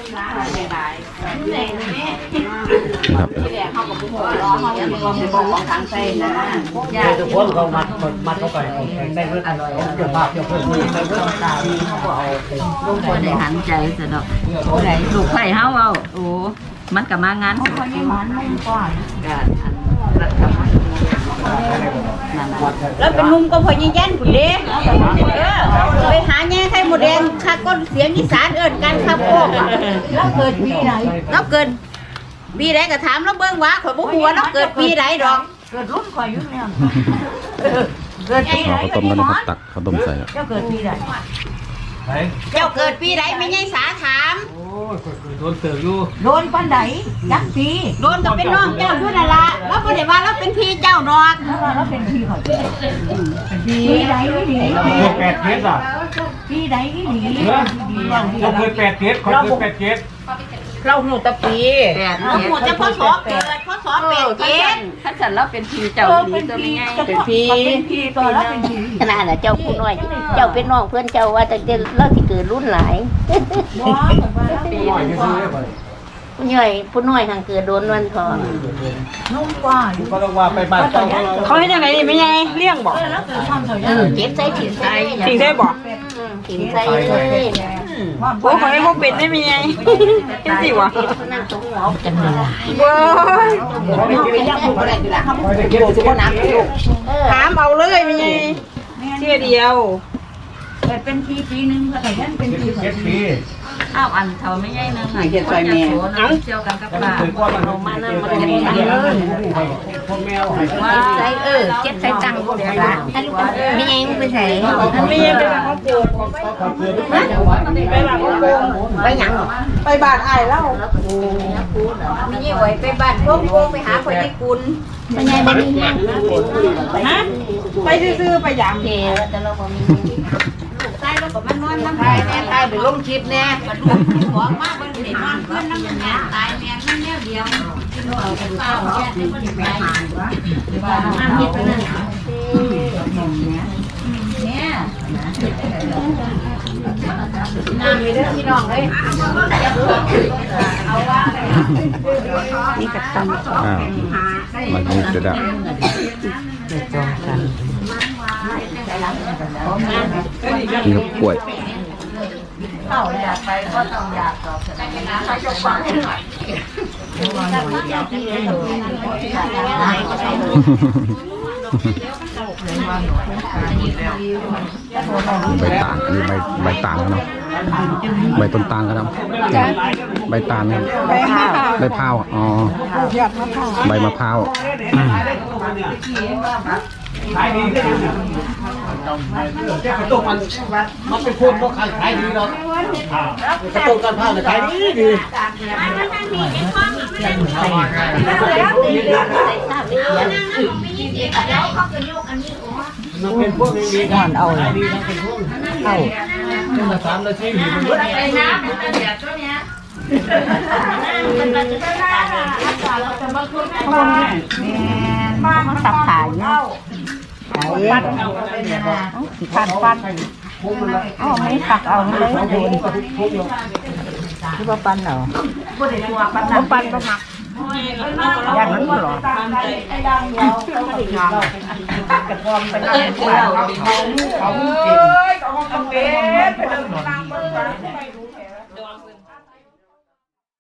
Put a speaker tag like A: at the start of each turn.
A: ครับ
B: ทุกคนเขามัดเข้าไปได้เพื่ออร่อยเกี่ยวภาพเกี่ยวเพื่อนเพื่อนตาเขาก็เอาลงคนในหันใจสะดอกลูกไผ่เฮาเอาโอ้มันกับมางานเขาไม่หวานไม่กว่าแล้วเป็นนุ่มก็พอยิ่งแย่นผุดเด้ไปหาแง่ไข่หมดแดงข้าก้นเสียงอีสานเอิญกันข้าโคกแล้วเกิดปีไหนแล้วเกิดปีไหนก็ถามแล้วเบิ้งว่าข่อยบุหัวแล้วเกิดปีไหนดอกเกิดรุ่นข่อยยุ่งเนี่ยเกิดปีไหน
A: ข้าวต้มกันนะครับตักข้าวต้มใส่
B: เจ้าเกิดปีไหนเจ้าเกิดปีไหนไม่ใช่สาถามโอ้ยโดนเติบอยู่โดนปันไหนยักษ์ปีโดนก็เป็นน้องเจ้าด้วยนั่นละแล้วพอเดี๋ยวว่าเราเป็นพี่เจ้าดอกแล้วเป็นพี่เขาปีไหนไม่หนี
C: 8 เกตอ่ะ
B: ปีไหนไม่หนี
C: เราเคย8 เกตคนเคย8 เกต
B: เราหูตะปีเราหูจะพ่อสอบเกิดพ่อสอบ8 เกตถ้าฉันเราเป็นพี่เจ้าดีตัวไม่ง่ายเป็นพี่ตัวแล้วเป็นพี่ขนาดน่ะเจ้าผู้น้อยเจ้าเป็นน้องเพื่อนเจ้าว่าแต่เด็กเราที่เกิดรุ่นหลายปีผู้ใหญ่ผู้น้อยทางเกิดโดนวันทองนุ่มกว่า
C: ก็ต้องว่าไปบ้าน
D: เขาให้ยังไงนี่ไม่ไงเลี้ยงบอก
B: เก็บใส่ถิ่นใส่
D: จริงได้บอก
B: ถิ่นใส่เลย
D: โอ้เขาให้พวกเป็นได้ไม่ไงเป็นสิวะ
B: นั่งตรงหัวกันเลย
D: ว้ายถามเอาเลยไม่ไงเชื่อเดียว
B: เป็นปีนึงก็แต่ยันเป็นปีอ้าวอันเขาไม่ใช่นึงเก็บใส่แม่เจียวกันกับปลาเรามานั่งมาเก็บใส่เลยว่าใส่เก็บใส่ตังค์เดี๋ยวละไม่ยังไปใส่
D: ไม่ยังไปบ้านเขาปลูกไปบ้านเขาปลูก
B: ไปหยัง
D: ไปบ้านไอ้เล่า
B: ไม่ยังไหวไปบ้านพวกไปหาคนญี่ปุ่นไปไงไปนี่
D: ฮะไปซื้อไปยาม
B: เดี๋ยวจะเราบอกมีใต้แล้วก็มันนอนน้ำตายแน่ตายเดี๋ยวลงคลิปแน่มันลูกที่หัวมากมันเด็กนอนเพื่อนน้ำมันแน่ตายแน่นั่นแน่เดียวเราเป็นเจ้าเนี่ยเป็นคนที่ไปหานวะน้ำเย็นไปนั่นเนี่ยน้ำมีเรื่องพี่น้องเลยเอาว่า
D: นี่กับตำ
A: มันนี่จะดับ
D: จองกัน
A: กินกับกล้วย
B: เข้าอยากไปก็ต้องอยากตอบแต่ไม่นะเขาจะฟังให้หน่อย
A: ใบตาลอันนี้ใบตาลกันเนาะใบต้นตาลกันเนาะใบตาลเนี่ยใบพร้าวอ๋อใบมะพร้าว
C: ขายดีกระตุกมันเป็นคนก็ขายดีเนาะกระตุกกันผ้าขายดีมันเป็นพวกดีกันเอาดีมันเป็นพวกเอามา3 นาทีมันก็ได้นะมันจะแบบตัวเนี้ยมันจะได้เราจะมาคุยกัน
B: บ้านมันสับขายเนาะปั้นปั้นอ๋อไม่ตักเอาเลยคือว่าปั้นเหรอปั้นก็มักอย่างนั้นหรอไอ้ดังเราต้องติดงานกระพรไปนั่งเขาเก่งเขาเป็น